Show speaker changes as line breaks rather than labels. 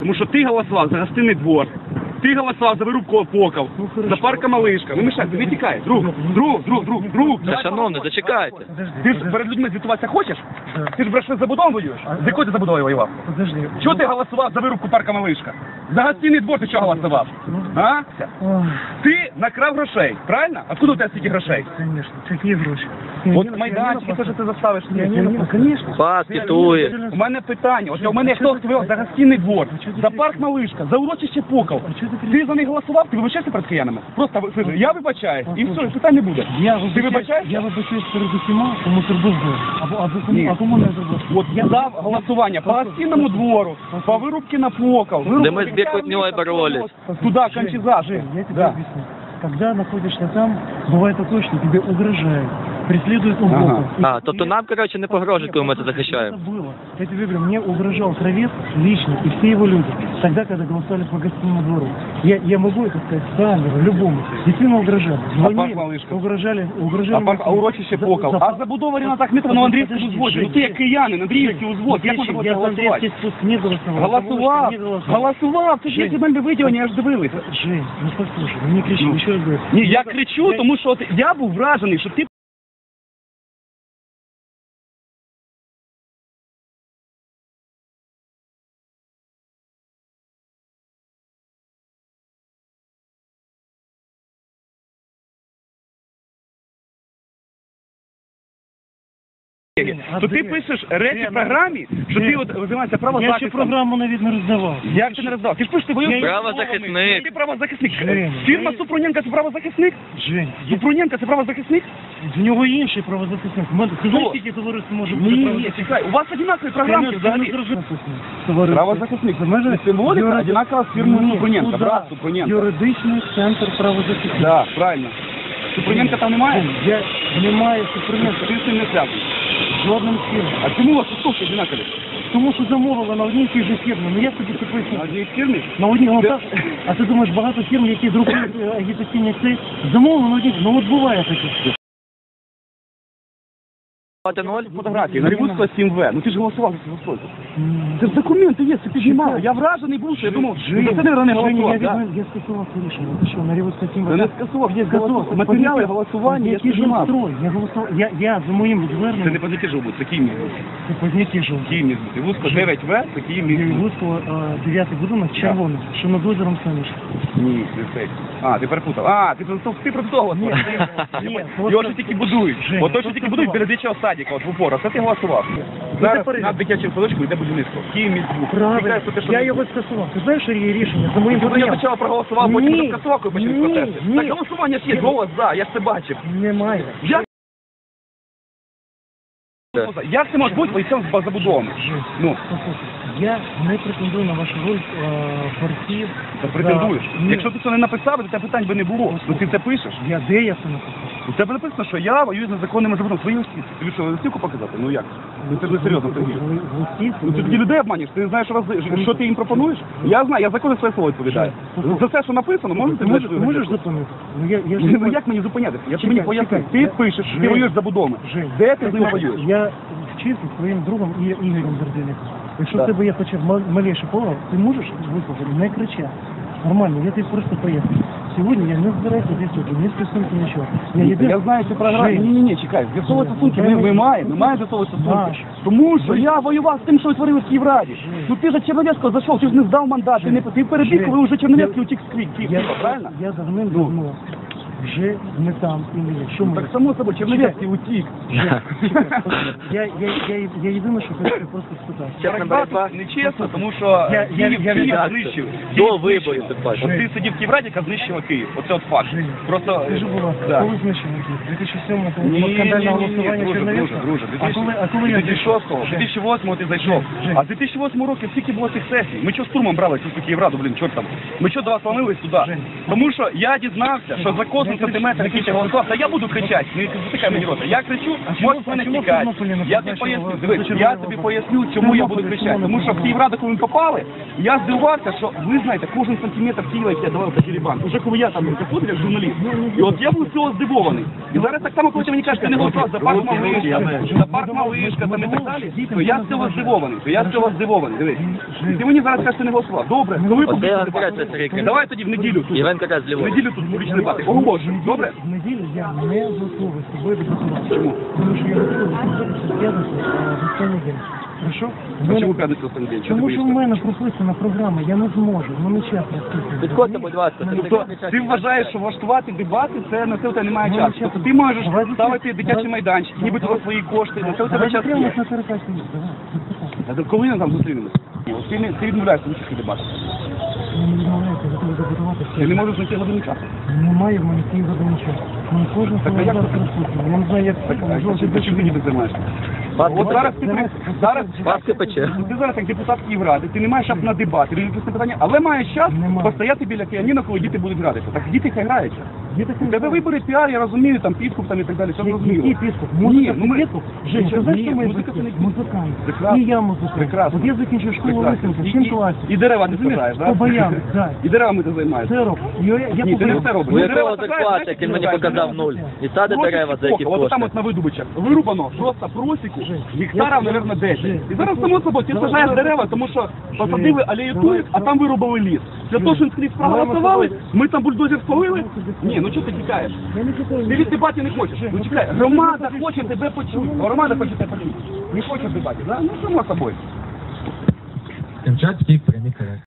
Тому що ти голосував за гостинний двор, ти голосував за вирубку опоків, за парка Малишка. Не мішай, не тікай. Друг.
Шановний, зачекайте.
Ти ж перед людьми звітуватися хочеш? Ти ж брешеш забудову воюєш? З якої ти забудовою воював? Чого ти голосував за вирубку парка Малишка? За гостинний двор ти чого голосував? А? Ти накрав грошей, правильно? Откуда у тебе стільки грошей?
Конечно, какие гроши?
От майданчики, те, що ти заставиш.
Конечно.
Пас пітує.
У мене питання, от у мене хто сказав за гостинний двор, за парк Малишка, за урочище Поков. Ти за них голосував, ти вибачаєшся перед киянами? Просто я вибачаюсь, і все, питань не буде. Ти вибачаєшся?
Я вибачаюсь перед усіма, кому зробив зло. А кому не зробив.
От я дав голосування по гостинному двору, по вирубці на Поков.
Де ми з Бекутньою боролись.
Туда, Кончиза.
Я тебе объясню. Когда находишься там, бывает такое, что тебе угрожают, преследуют уборку.
А, тобто нам, коротше, не погрожують, коли ми це захищаємо.
Это было. Я тебе говорю, мне угрожал Кравец лично и все его люди, тогда, когда голосовали по гостиному двору. Я могу это сказать камеру, любому. Действительно угрожали. Звонили, угрожали.
А урочище Поков. А забудова Ріната Ахметова на Андріївському узводі. Ну ти як киянин, Андріївський узвод. Як можна було голосувати?
Не голосовал.
Голосував. Це ж є земельне виділення, я ж дивилися.
Жень, ну послушай, ну не кричи, еще раз говорю.
Ні, я кричу, тому що я був вражений, що ти... То ти пишеш речі в програмі, що ти от займаєшся правозахистом.
Я ще програму навіть не роздавав.
Як ти не роздавав? Ти ж пишеш, ти воюєш...
Правозахисник.
Ти правозахисник. Фірма Супруненка – це правозахисник?
Жень,
Супруненка – це правозахисник?
в нього інший правозахисник. Ти знаєш, скільки товариство може бути
Ні, чекай, у вас одинакові програмки взагалі. Правозахисник, це межа символіка одинакова з фірмою Супруненка, брат Супруненка.
Юридичний центр правозахисник.
Так, правильно. Супруненка там немає?
Немає Супруненка.
Ти з цим не зв'язаний.
Жодним з фірм.
А чому у вас стосовки одинакові?
Тому що замовили на одній і тій же фірмі. Ну як тобі це пояснити?
На одній фірмі?
На одній, ну так. А ти думаєш, багато фірм, які друкують агітаційні цей, замовили на одній, ну от буває таке.
2-0.
Фотографії, на Рівуцького 7В. Ну ти ж голосував за цю стойку. Це ж документи є, це піднімав. Я вражений був, що я думав, що це не голосував.
Я скасував це рішення. Ти що, на Рівуцького 7В?
Я не скасував, я голосував. Матеріали голосування, я піднімав.
Я голосував, я за моїм зверненням...
Це не позитив був, це Київ міг бути.
Це позняті жив.
Київ міг бути. Рівуцького 9В, це Київ міг бути.
Рівуцького 9-й будинок червоний, що над озером Сонячне.
Ні, це цей. А, ти перепутав. А, ти про того голосував. Його ж тільки будують. От то, що тільки будують біля дитячого садика, от в упор. Це ти голосував. Зараз над дитячим садочком йде будівництво. Київ міг бути.
Правильно. Я його скасував. Ти знаєш, що є рішення за моїм
Я
поданням?
спочатку проголосував, потім скасував, коли почали протести.
Ні.
Так голосування ж є, голос за, я ж це бачив.
Немає.
Як це може бути бойцем з забудовами? Ну,
Я не претендую на вашу роль борців.
ти претендуєш. Якщо ти це не написав, то тебе питань би не було. Ну ти це пишеш.
Де я це написав?
У тебе написано, що я воюю з незаконними забудовами. Свої листівки. Тобі що, листівку показати? Ну як? Ну це ж не серйозно, Сергій. Ну ти тоді людей обманюєш, ти не знаєш, що ти їм пропонуєш? Я знаю, я закони своє слово відповідаю. За все, що написано, можете...
Ти можеш зупинити?
Ну як мені зупинятися? Я ж мені поясню. Ти пишеш, ти воюєш за будовами. Де ти з ними воюєш?
Я вчився своїм другом Ігорем Берденяком. Якщо в тебе є хоча б малейший повод, ти можеш вислухати, не кричати. Нормально, я тобі просто поясню. Сьогодні я не збираюся з'ясувати, ні стосунки, нічого.
Я знаю цю програму. Ні, чекай. З'ясовувати стосунки ми маємо з'ясовувати стосунки. Тому що я воював з тим, що ви творили в Київраді. Ну ти ж Черновецького зайшов, ти ж не здав мандат, ти перебіг, коли вже Черновецький утік з Києва, правильно?
Я давним-давно вже не там і не є. Що ми?
Так само собою, Черновецький утік.
Я єдине, що хочу просто спитати.
Чесна боротьба.
Нечесно, тому що Київ знищив.
До виборів, ти бачиш.
От ти сидів в Київраді, яка знищила Київ. Оце от факт. Просто...
Скажи, будь ласка, коли знищили Київ? 2007-му скандальне голосування Черновецького?
Друже,
А коли я
2006-го, 2008-го ти зайшов. А з 2008 року скільки було цих сесій? Ми чого штурмом брали цю Київраду, блін, чорт там? Ми чого до вас ломились туди? Тому що я дізнався, що закон кожен сантиметр, який ти голосував, та я буду кричати, не затикай мені рота. Я кричу, можеш мене
чому в
тікати.
Тернополі не
Я тобі
позначили,
поясню,
ви
дивись, я тобі поясню, чому я буду кричати. Тому що в Київраду, коли ми попали, я здивувався, що ви знаєте, кожен сантиметр Києва, який я давав за Кирибан, уже коли я там заходив як журналіст. І от я був з цього здивований. І зараз так само, коли ти мені кажеш, ти не голосував за парк Малишка, за парк Малишка, там і так далі, то я з цього здивований, дивись. І ти мені зараз кажеш, ти не голосував. Добре, коли
От я
публічний
розбираюся,
дебат?
Сергій.
Давай тоді в неділю тут.
Іван Карась
В
ліворуч.
неділю тут публічний дебат. Оголошую, добре?
В неділю я не готовий з тобою дебатувати.
Чому?
Тому що я готовий дебатувати в п'ятницю в останній день. Хорошо?
А чому п'ятницю останній день? Чого
Тому
ти
що в
боїшся?
мене прописана програма, я не зможу, в мене час не встигне.
Підходьте, будь ласка.
Тобто ти вважаєш, що влаштувати дебати, це на це у тебе немає
Немає
часу.
часу.
Тобто ти можеш
Давай
ставити
закрив.
дитячий майданчик, нібито за свої кошти, на це у тебе
Давай
час
закриємось
є.
на перекачку. Давай.
А коли ми там зустрінемося? От ти відмовляєшся від цих дебатів.
Я не відмовляюся, готовий дебатувати.
Ти не можеш знайти годину часу.
Немає в мене цієї години часу. Мені кожен
Так, а як
зараз
це?
присутній. Я не знаю, як
Так, а
жовтий
чим ти ніби займаєшся?
Паски
От зараз ти
пече.
зараз
Паски пече.
ти зараз як депутат Київради, ти не маєш часу на дебати, релігійне питання, але маєш час
Немає.
постояти біля піаніно, коли діти будуть гратися. Так діти хай граються.
Є таке.
У тебе вибори піар, я розумію, там підкуп там і так далі, все зрозуміло.
Який підкуп?
Ні,
Музика
ну ми...
підкуп? Жень, ти знаєш,
Ні,
що ми
музика це не підкуп.
музикант.
Прекрасно.
І я музикант.
Прекрасно.
От я закінчив школу висновку в 7 класі.
І дерева ти сажаєш, так?
По баяну, так.
І деревами ти займаєшся.
Це роблю. Я
Ні, ти не все робиш.
У
Ну, дерева
якого
саджаєш,
зарплата,
знаєш,
який мені
саджаєш
показав
дерева.
0. І сади дерева за які
От там
кошти.
от на видобичах вирубано просто просіку, гектарів, мабуть, 10. І зараз само собою ти сажаєш дерева, тому що посадили алею туїк, а там вирубали ліс. Для того, що скрізь проголосували, ми там бульдозер спалили. Ні, ну чого ти тікаєш?
Я не читаю.
Ти від дебатів не хочеш. Ну чекай, громада хоче тебе почути. Громада хоче тебе почути. Не хочеш дебатів, да? Ну само собою.
Камчатський прямий коректор.